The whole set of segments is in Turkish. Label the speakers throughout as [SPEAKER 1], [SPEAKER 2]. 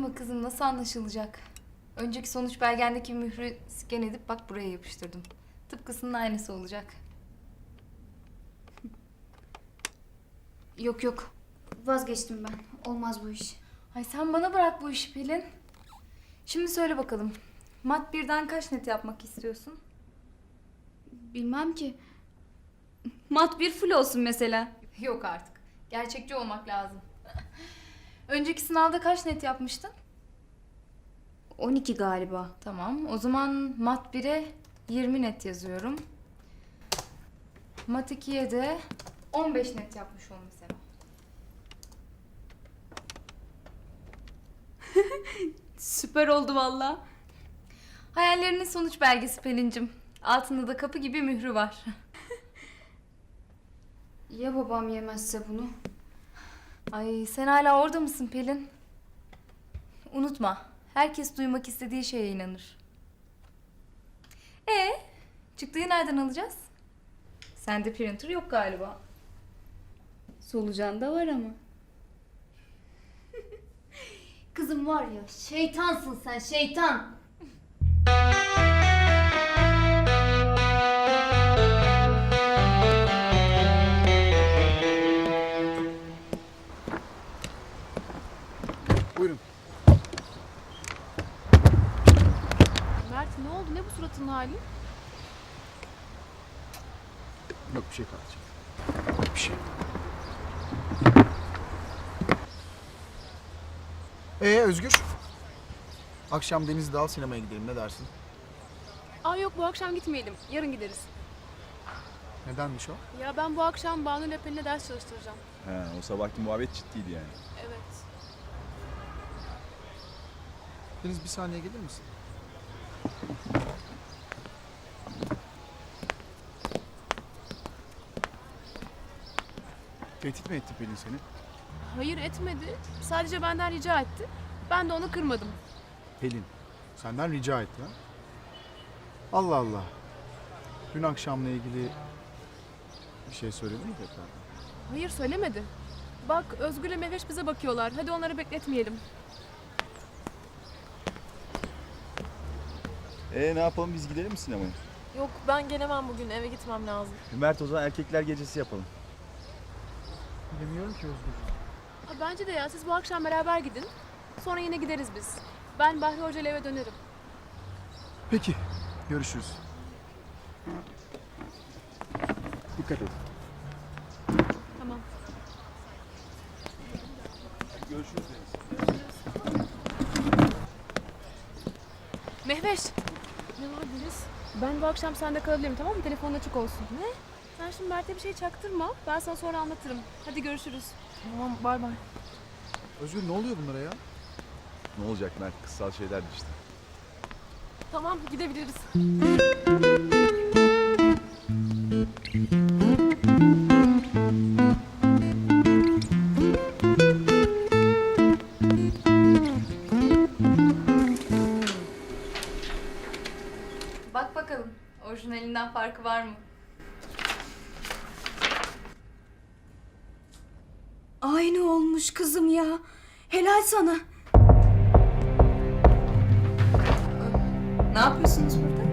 [SPEAKER 1] Ama kızım nasıl anlaşılacak? Önceki sonuç belgendeki mührü sken edip bak buraya yapıştırdım. Tıpkısının aynısı olacak.
[SPEAKER 2] Yok yok. Vazgeçtim ben. Olmaz bu iş.
[SPEAKER 1] Ay sen bana bırak bu işi Pelin. Şimdi söyle bakalım. Mat 1'den kaç net yapmak istiyorsun?
[SPEAKER 2] Bilmem ki. Mat bir full olsun mesela.
[SPEAKER 1] Yok artık. Gerçekçi olmak lazım. Önceki sınavda kaç net yapmıştın?
[SPEAKER 2] 12 galiba.
[SPEAKER 1] Tamam. O zaman Mat 1'e 20 net yazıyorum. Mat 2'ye de 15 net yapmış ol mesela.
[SPEAKER 2] Süper oldu valla.
[SPEAKER 1] Hayallerinin sonuç belgesi Pelin'cim. Altında da kapı gibi mührü var.
[SPEAKER 2] Ya babam yemezse bunu?
[SPEAKER 1] Ay sen hala orada mısın Pelin? Unutma. Herkes duymak istediği şeye inanır. Çıktığı nereden alacağız? Sende printer yok galiba.
[SPEAKER 2] Solucan da var ama. Kızım var ya, şeytansın sen, şeytan.
[SPEAKER 3] Buyurun.
[SPEAKER 4] Mert ne oldu? Ne bu suratın hali?
[SPEAKER 3] Yok bir şey kalacak. Bir şey. Özgür. Akşam Deniz'de al sinemaya gidelim, ne dersin?
[SPEAKER 4] Aa yok, bu akşam gitmeyelim. Yarın gideriz.
[SPEAKER 3] Nedenmiş o?
[SPEAKER 4] Ya ben bu akşam Banu ile Pelin'e ders çalıştıracağım.
[SPEAKER 5] He, o sabahki muhabbet ciddiydi yani.
[SPEAKER 4] Evet.
[SPEAKER 3] Deniz bir saniye gelir misin? Tehdit mi etti Pelin seni?
[SPEAKER 4] Hayır etmedi. Sadece benden rica etti. Ben de onu kırmadım.
[SPEAKER 3] Pelin, senden rica etti ha? Allah Allah. Dün akşamla ilgili bir şey söyledi mi tekrar?
[SPEAKER 4] Hayır söylemedi. Bak Özgür'le Mehveş bize bakıyorlar. Hadi onları bekletmeyelim.
[SPEAKER 5] Ne yapalım, biz gidelim mi sinemaya?
[SPEAKER 6] Yok ben gelemem bugün, eve gitmem lazım.
[SPEAKER 5] Mert, o zaman erkekler gecesi yapalım.
[SPEAKER 3] Bilmiyorum ki Özgür.
[SPEAKER 4] Ha, bence de ya siz bu akşam beraber gidin. Sonra yine gideriz biz. Ben Bahri Hoca ile eve dönerim.
[SPEAKER 3] Peki, görüşürüz. Dikkat et.
[SPEAKER 4] Tamam.
[SPEAKER 5] Görüşürüz Deniz.
[SPEAKER 4] Mehveş. Ne var Deniz? Ben bu akşam sende kalabilirim, tamam mı? Telefonun açık olsun. Ne? Sen şimdi Mert'e bir şey çaktırma. Ben sana sonra anlatırım. Hadi görüşürüz.
[SPEAKER 6] Tamam, bay bay.
[SPEAKER 3] Özgür, ne oluyor bunlara ya?
[SPEAKER 5] Ne olacak Mert, kıssal şeylerdi işte.
[SPEAKER 6] Tamam, gidebiliriz.
[SPEAKER 1] Bak bakalım. Orijinalinden farkı var mı?
[SPEAKER 2] Aynı olmuş kızım ya. Helal sana.
[SPEAKER 1] Ne yapıyorsunuz burada?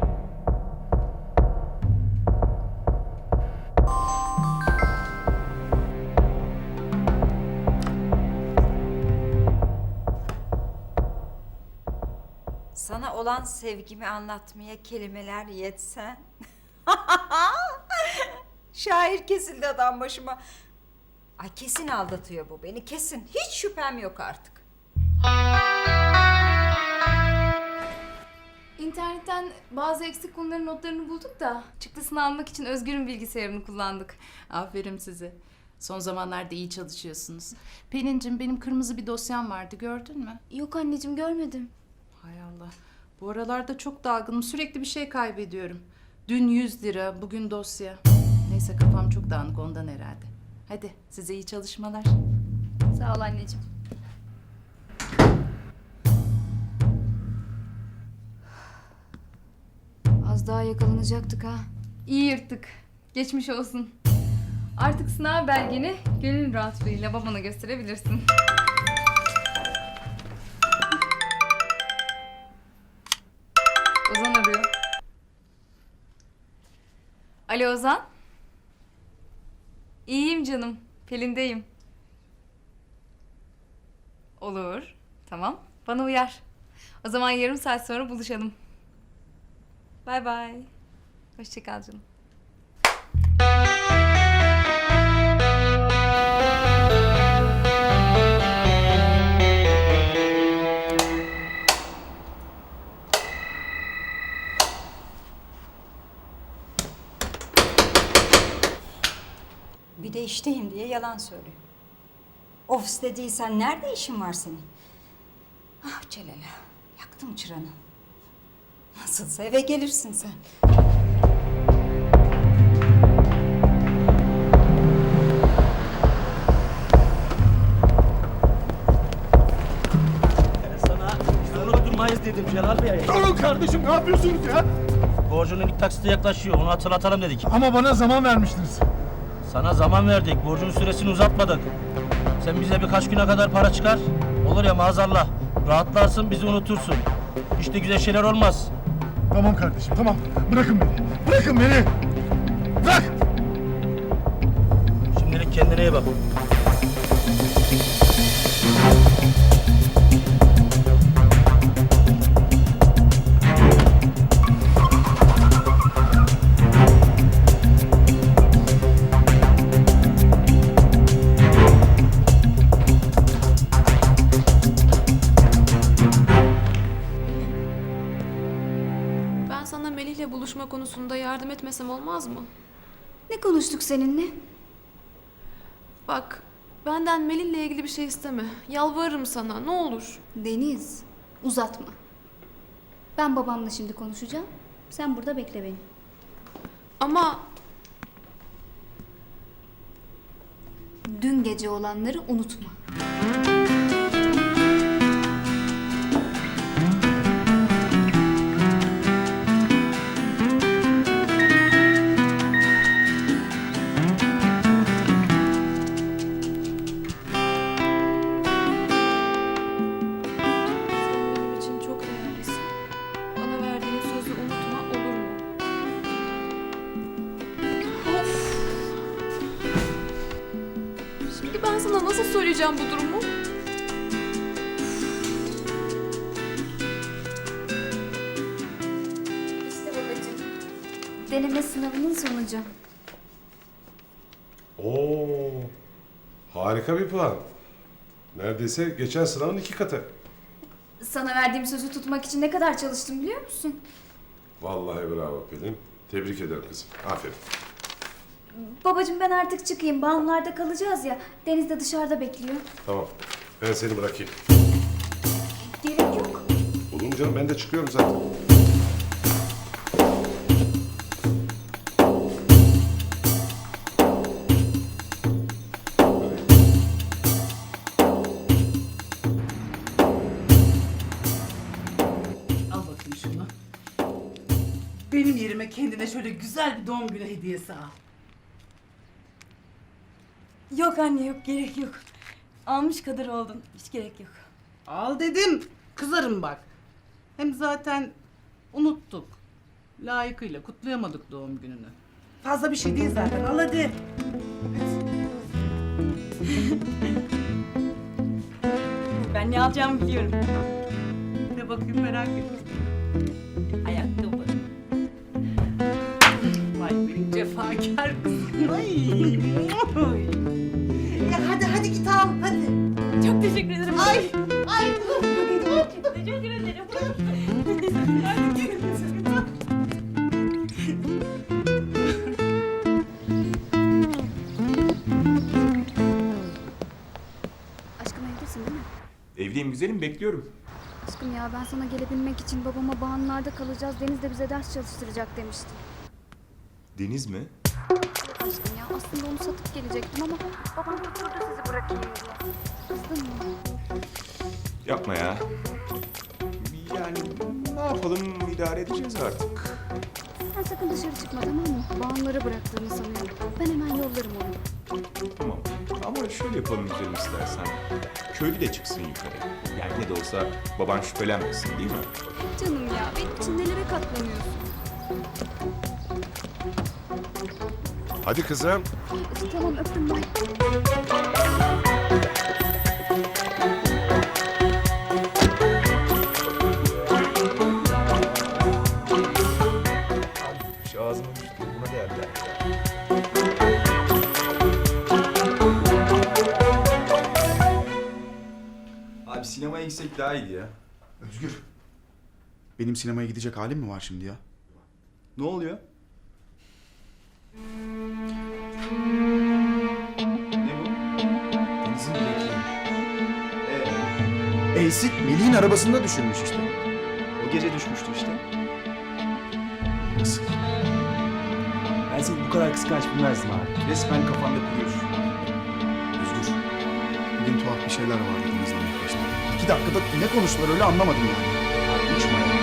[SPEAKER 7] Sana olan sevgimi anlatmaya kelimeler yetsen. Şair kesildi adam başıma. Ay kesin aldatıyor bu beni, kesin. Hiç şüphem yok artık.
[SPEAKER 1] İnternetten bazı eksik konuların notlarını bulduk da çıktısını almak için Özgür'ün bilgisayarını kullandık.
[SPEAKER 8] Aferin size. Son zamanlarda iyi çalışıyorsunuz. Pelin'cim, benim kırmızı bir dosyam vardı, gördün mü?
[SPEAKER 2] Yok anneciğim, görmedim.
[SPEAKER 8] Hay Allah. Bu aralarda çok dalgınım. Sürekli bir şey kaybediyorum. Dün 100 lira, bugün dosya. Neyse, kafam çok dağınık ondan herhalde. Hadi size iyi çalışmalar.
[SPEAKER 1] Sağ ol anneciğim.
[SPEAKER 2] Az daha yakalanacaktık ha.
[SPEAKER 1] İyi yırttık. Geçmiş olsun. Artık sınav belgeni gönül rahatlığıyla babana gösterebilirsin. Alo Ozan. İyiyim canım. Pelin'deyim. Olur. Tamam. Bana uyar. O zaman yarım saat sonra buluşalım. Bay bay. Hoşça kal canım.
[SPEAKER 7] Bir de işteyim diye yalan söylüyor. Ofiste değilsen nerede işin var senin? Ah Celal, yaktım çıranı. Nasılsa eve gelirsin sen.
[SPEAKER 9] Sana biz unutturmayız dedim Celal Bey.
[SPEAKER 3] Durun kardeşim, ne yapıyorsunuz ya?
[SPEAKER 9] Borcunun ilk taksiti yaklaşıyor. Onu hatırlatalım dedik.
[SPEAKER 3] Ama bana zaman vermiştiniz.
[SPEAKER 9] Sana zaman verdik. Borcun süresini uzatmadık. Sen bize birkaç güne kadar para çıkar. Olur ya maazallah. Rahatlarsın bizi unutursun. İşte güzel şeyler olmaz.
[SPEAKER 3] Tamam kardeşim, tamam. Bırakın beni. Bırakın beni. Bırak!
[SPEAKER 9] Şimdilik kendine iyi bak.
[SPEAKER 4] Ben sana Melih'le buluşma konusunda yardım etmesem olmaz mı?
[SPEAKER 2] Ne konuştuk seninle?
[SPEAKER 4] Bak, benden Melih'le ilgili bir şey isteme. Yalvarırım sana, ne olur.
[SPEAKER 2] Deniz, uzatma. Ben babamla şimdi konuşacağım. Sen burada bekle beni.
[SPEAKER 4] Ama
[SPEAKER 2] Dün gece olanları unutma.
[SPEAKER 4] sen benim için çok değerlisin. Bana verdiğin sözü unutma, olur mu? Of! Şimdi ben sana nasıl söyleyeceğim bu durumu?
[SPEAKER 2] İşte babacığım. Deneme sınavının sonucu.
[SPEAKER 10] Oo, harika bir puan. Neredeyse geçen sınavın 2 katı.
[SPEAKER 2] Sana verdiğim sözü tutmak için ne kadar çalıştım biliyor musun?
[SPEAKER 10] Vallahi bravo Pelin. Tebrik ederim kızım. Aferin.
[SPEAKER 2] Babacığım ben artık çıkayım. Balonlarda kalacağız ya. Deniz de dışarıda bekliyor.
[SPEAKER 10] Tamam. Ben seni bırakayım.
[SPEAKER 2] Gerek yok.
[SPEAKER 10] Olur mu canım? Ben de çıkıyorum zaten.
[SPEAKER 8] Al bakayım şunu. Benim yerime kendine şöyle güzel bir doğum günü hediyesi al.
[SPEAKER 6] Yok anne yok gerek yok. Almış kadar oldun. Hiç gerek yok.
[SPEAKER 8] Al dedim. Kızarım bak. Hem zaten unuttuk. Layıkıyla kutlayamadık doğum gününü. Fazla bir şey değil zaten. Al hadi.
[SPEAKER 6] Ben ne alacağımı biliyorum.
[SPEAKER 8] Ne bakayım merak ettim. Ayakkabı. Vay benim cefakar kızım. Ay. Ya hadi git al hadi.
[SPEAKER 6] Çok teşekkür ederim.
[SPEAKER 8] Ay.
[SPEAKER 6] Teşekkür ederim.
[SPEAKER 2] Aşkım evdesin değil mi?
[SPEAKER 11] Evdeyim güzelim, bekliyorum.
[SPEAKER 2] Aşkım ya ben sana gelebilmek için babama bağımlılarda kalacağız. Deniz de bize ders çalıştıracak demişti.
[SPEAKER 11] Deniz mi?
[SPEAKER 2] Aşkım ya aslında onu satıp gelecektim ama babam tutturdu sizi bırakayım diye. Kızdın mı?
[SPEAKER 11] Yapma ya. Yani ne yapalım, idare edeceğiz artık.
[SPEAKER 2] Sen sakın dışarı çıkma tamam mı? Bağımlara bıraktığını sanıyorum. Ben hemen yollarım onu.
[SPEAKER 11] Tamam. Ama şöyle yapalım güzelim istersen. Köylü de çıksın yukarı. Yani ne de olsa baban şüphelenmesin değil mi?
[SPEAKER 2] Canım ya benim için nelere katlanıyorsun?
[SPEAKER 10] Hadi kızım.
[SPEAKER 2] Tamam öptüm ben.
[SPEAKER 11] Şu ağzıma düştü. Buna değerler. Abi sinemaya gitsek daha iyiydi ya.
[SPEAKER 3] Özgür. Benim sinemaya gidecek halim mi var şimdi ya?
[SPEAKER 5] Ne oluyor? Ne bu?
[SPEAKER 3] Deniz'in bilekliği. Eysit Melih'in arabasında düşürmüş işte.
[SPEAKER 5] O gece düşmüştü işte.
[SPEAKER 3] Nasıl?
[SPEAKER 5] Ben seni bu kadar kıskanç bilmezdim abi. Resmen kafanda kuruyorsun.
[SPEAKER 3] Özgür. Bugün tuhaf bir şeyler var Deniz'le yaklaştı. 2 dakikada ne konuştular öyle anlamadım yani. Uçma ya.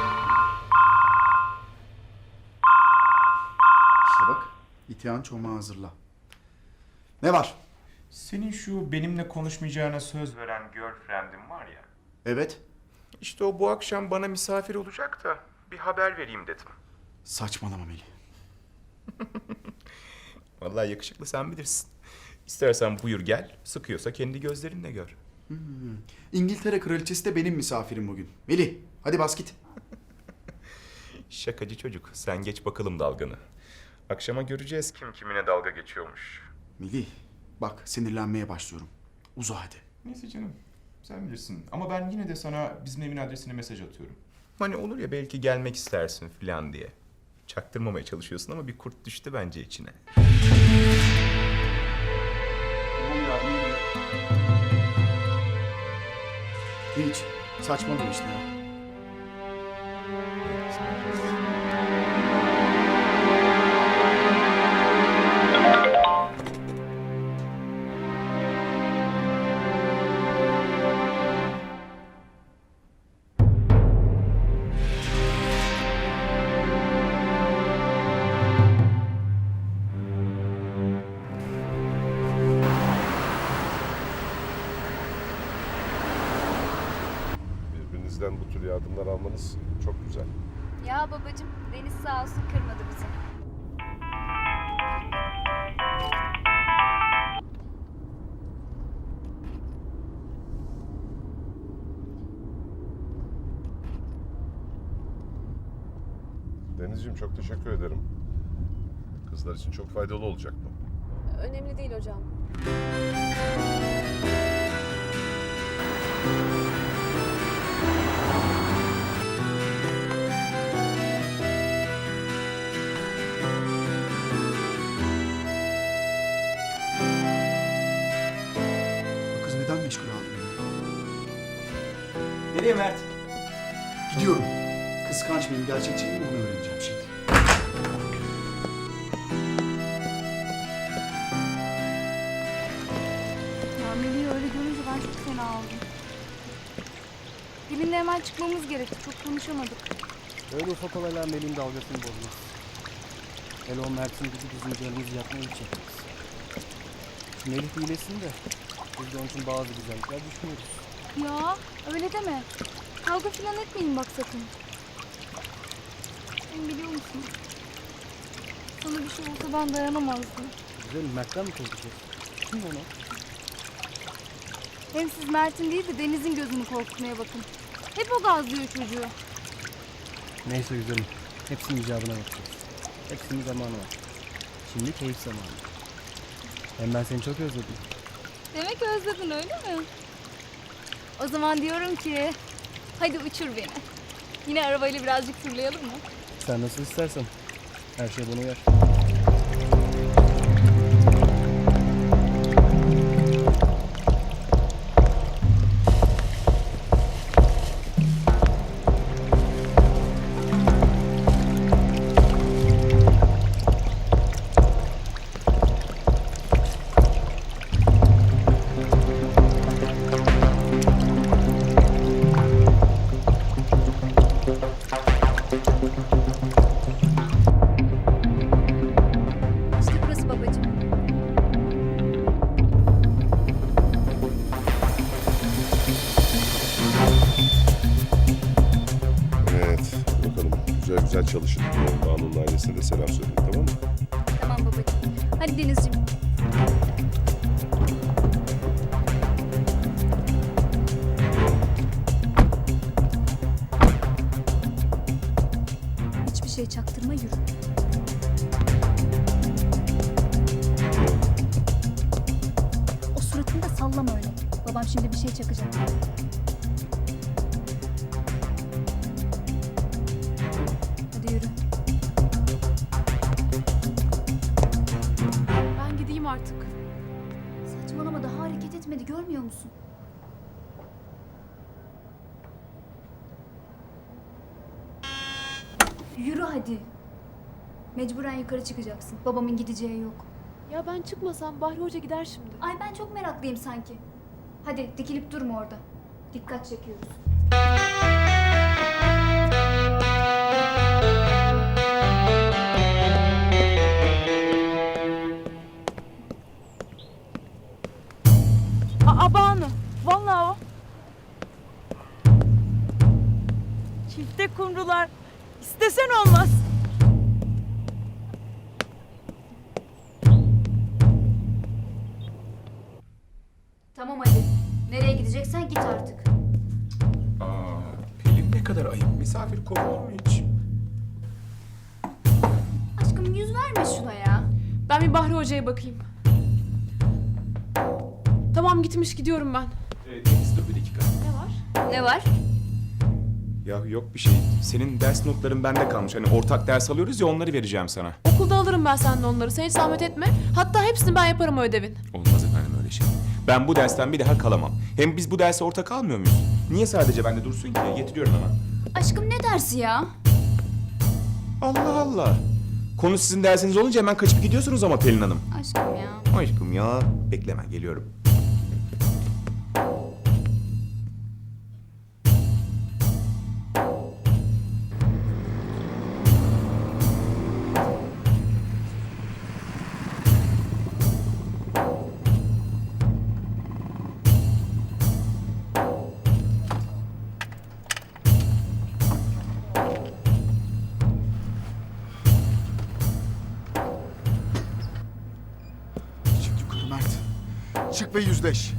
[SPEAKER 3] İşte bak. İtihan çomağı hazırla. Ne var?
[SPEAKER 11] Senin şu benimle konuşmayacağına söz veren girlfriend'in var ya.
[SPEAKER 3] Evet.
[SPEAKER 11] İşte o bu akşam bana misafir olacak da bir haber vereyim dedim.
[SPEAKER 3] Saçmalama Melih.
[SPEAKER 11] Vallahi yakışıklı sen bilirsin. İstersen buyur gel, sıkıyorsa kendi gözlerinle gör.
[SPEAKER 3] İngiltere kraliçesi de benim misafirim bugün. Melih hadi bas git.
[SPEAKER 11] Şakacı çocuk, sen geç bakalım dalganı. Akşama göreceğiz kim kimine dalga geçiyormuş.
[SPEAKER 3] Melih bak sinirlenmeye başlıyorum. Uza hadi.
[SPEAKER 11] Neyse canım, sen bilirsin. Ama ben yine de sana bizim evin adresine mesaj atıyorum. Hani olur ya belki gelmek istersin falan diye. Çaktırmamaya çalışıyorsun ama bir kurt düştü bence içine.
[SPEAKER 3] Hiç. Saçmalama işte ya.
[SPEAKER 10] Birbirinizden bu tür yardımlar almanız çok güzel.
[SPEAKER 2] Ya babacığım Deniz sağ olsun kırmadı bizi.
[SPEAKER 10] Denizciğim çok teşekkür ederim. Kızlar için çok faydalı olacak bu.
[SPEAKER 4] Önemli değil hocam.
[SPEAKER 3] Bu kız neden meşgul aldı beni?
[SPEAKER 5] Nereye Mert?
[SPEAKER 3] Gidiyorum. Kıskanç mıyım, gerçekçi miyim onu öğreneceğim şimdi.
[SPEAKER 2] Ya Melih'i öyle görünce ben çok fena oldum. Gelinle hemen çıkmamız gerekti. Çok konuşamadık.
[SPEAKER 12] Öyle ufak olaylar Melih'in dalgasını bozmaz. Hele o Mert'in gibi bizim canımızı yakmayı hiç çekmez. Şu Melih iyileşsin de biz de onun için bazı güzellikler düşünüyoruz.
[SPEAKER 2] Ya öyle deme. Kavga falan etmeyin bak sakın. Sen biliyor musun? Sana bir şey olsa ben dayanamazdım.
[SPEAKER 12] Güzelim Mert'ten mi korkacağız? Kim ona?
[SPEAKER 2] Hem siz Mert'in değil de Deniz'in gözünü korkutmaya bakın. Hep o gazlıyor çocuğu.
[SPEAKER 12] Neyse güzelim. Hepsinin icabına bakacağız. Hepsinin zamanı var. Şimdi keyif zamanı. Hem ben seni çok özledim.
[SPEAKER 2] Demek özledin öyle mi? O zaman diyorum ki hadi uçur beni. Yine arabayla birazcık turlayalım mı?
[SPEAKER 12] Sen nasıl istersen. Her şey bana uyar.
[SPEAKER 2] İşte burası babacığım.
[SPEAKER 10] Evet, bakalım güzel güzel çalışın. Banu'nun ailesine de selam söyleyin, tamam mı?
[SPEAKER 2] Tamam babacığım. Hadi Denizciğim. Hiçbir şey çaktırma, yürü. O suratını da sallama öyle. Babam şimdi bir şey çakacak. Hadi yürü.
[SPEAKER 4] Ben gideyim artık.
[SPEAKER 2] Saçmalama, daha hareket etmedi, görmüyor musun? Yürü hadi. Mecburen yukarı çıkacaksın. Babamın gideceği yok.
[SPEAKER 4] Ya ben çıkmasam Bahri Hoca gider şimdi.
[SPEAKER 2] Ay ben çok meraklıyım sanki. Hadi dikilip durma orada. Dikkat çekiyoruz.
[SPEAKER 6] Banu. Vallahi o. Çifte kumrular. İstesen olmaz.
[SPEAKER 2] Tamam hadi. Nereye gideceksen git artık.
[SPEAKER 11] Pelin ne kadar ayıp. Misafir kovulur mu hiç?
[SPEAKER 2] Aşkım yüz verme şuna ya.
[SPEAKER 4] Ben bir Bahri Hoca'ya bakayım. Tamam gitmiş, gidiyorum ben.
[SPEAKER 11] Deniz dur bir dakika.
[SPEAKER 4] Ne var?
[SPEAKER 2] Ne var?
[SPEAKER 11] Ya yok bir şey. Senin ders notların bende kalmış. Hani ortak ders alıyoruz ya, onları vereceğim sana.
[SPEAKER 4] Okulda alırım ben senden onları. Sen hiç zahmet etme. Hatta hepsini ben yaparım o ödevin.
[SPEAKER 11] Olmaz efendim öyle şey. Ben bu dersten bir daha kalamam. Hem biz bu derse ortak almıyor muyuz? Niye sadece bende dursun ki? Getiriyorum hemen.
[SPEAKER 2] Aşkım ne dersi ya?
[SPEAKER 11] Allah Allah. Konu sizin dersiniz olunca hemen kaçıp gidiyorsunuz ama Pelin Hanım.
[SPEAKER 2] Aşkım ya.
[SPEAKER 11] Aşkım ya. Bekle, hemen geliyorum.
[SPEAKER 3] Çık yukarı Mert. Çık ve yüzleş.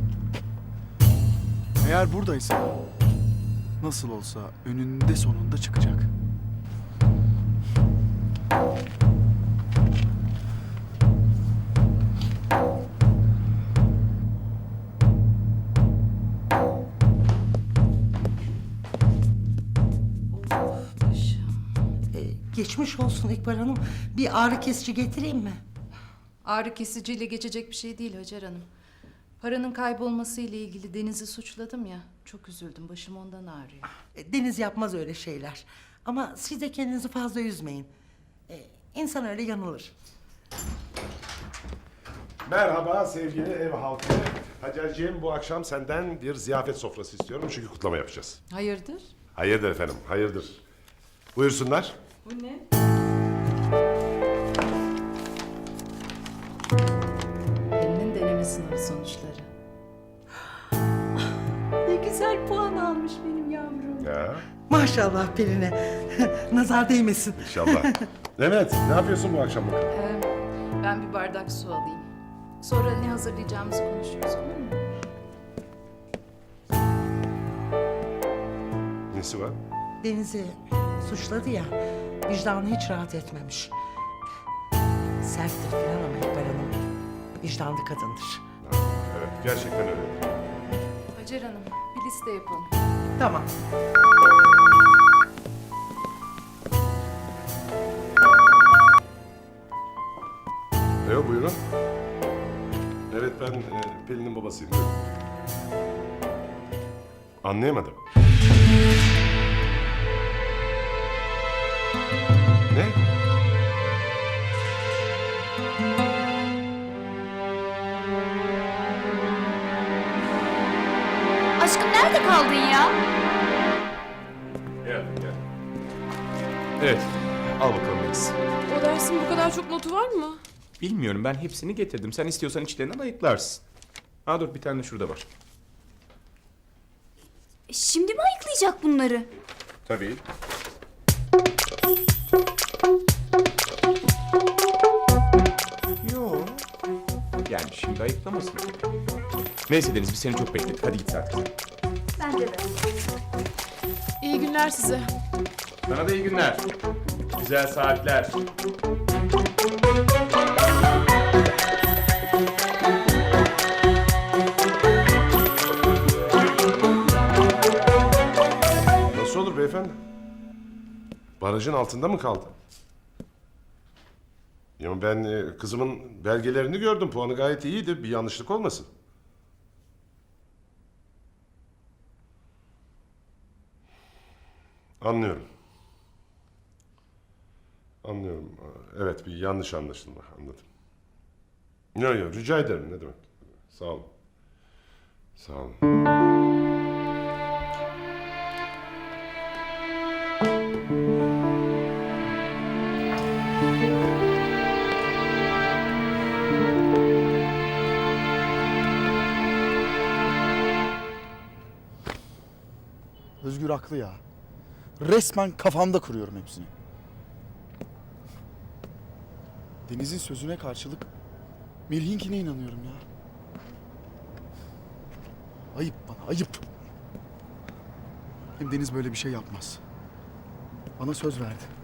[SPEAKER 3] Eğer buradaysa nasıl olsa önünde sonunda çıkacak.
[SPEAKER 13] Geçmiş olsun İkbal Hanım. Bir ağrı kesici getireyim mi?
[SPEAKER 8] Ağrı kesiciyle geçecek bir şey değil Hacer Hanım. Paranın kaybolması ile ilgili Deniz'i suçladım ya. Çok üzüldüm. Başım ondan ağrıyor.
[SPEAKER 13] Deniz yapmaz öyle şeyler. Ama siz de kendinizi fazla üzmeyin. İnsan öyle yanılır.
[SPEAKER 10] Merhaba sevgili ev halkı. Hacerciğim, bu akşam senden bir ziyafet sofrası istiyorum çünkü kutlama yapacağız.
[SPEAKER 8] Hayırdır?
[SPEAKER 10] Hayırdır efendim, hayırdır. Buyursunlar.
[SPEAKER 6] Bu ne?
[SPEAKER 8] Pelin'in deneme sınavı sonuçları.
[SPEAKER 6] Ne güzel puan almış benim yavrum.
[SPEAKER 10] Ya,
[SPEAKER 13] Maşallah Pelin'e. Nazar değmesin.
[SPEAKER 10] inşallah. Evet, ne yapıyorsun bu akşam bakalım?
[SPEAKER 8] Ben bir bardak su alayım. Sonra ne hazırlayacağımızı konuşuruz, olur mu?
[SPEAKER 10] Nesi var?
[SPEAKER 13] Deniz'i suçladı ya. Vicdanı hiç rahat etmemiş. Serttir falan ama İkbal Hanım vicdanlı kadındır.
[SPEAKER 10] Evet, gerçekten öyle.
[SPEAKER 8] Hacer Hanım, bir liste yapalım.
[SPEAKER 13] Tamam.
[SPEAKER 10] Yok, buyurun. Evet, ben Pelin'in babasıyım. Buyurun. Anlayamadım. Ne?
[SPEAKER 2] Aşkım nerede kaldın ya?
[SPEAKER 10] Gel, gel. Evet, al bakalım Deniz.
[SPEAKER 4] O dersin bu kadar çok notu var mı?
[SPEAKER 11] Bilmiyorum, ben hepsini getirdim. Sen istiyorsan içlerinden ayıklarsın. Ha dur, bir tane de şurada var.
[SPEAKER 2] Şimdi mi ayıklayacak bunları?
[SPEAKER 10] Tabii.
[SPEAKER 11] Yani şimdi ayıplamasın. Neyse Deniz biz seni çok bekledik. Hadi git artık.
[SPEAKER 7] Bence de.
[SPEAKER 4] İyi günler size.
[SPEAKER 11] Sana da iyi günler. Güzel saatler.
[SPEAKER 10] Nasıl olur beyefendi? Barajın altında mı kaldı? Ya ben kızımın belgelerini gördüm. Puanı gayet iyiydi. Bir yanlışlık olmasın. Anlıyorum. Anlıyorum. Evet, bir yanlış anlaşılma. Anladım. Yok yok, rica ederim. Ne demek. Sağ olun. Sağ olun.
[SPEAKER 3] Özgür haklı ya. Resmen kafamda kuruyorum hepsini. Deniz'in sözüne karşılık Melih'inkine inanıyorum ya. Ayıp bana, ayıp. Hem Deniz böyle bir şey yapmaz. Bana söz verdi.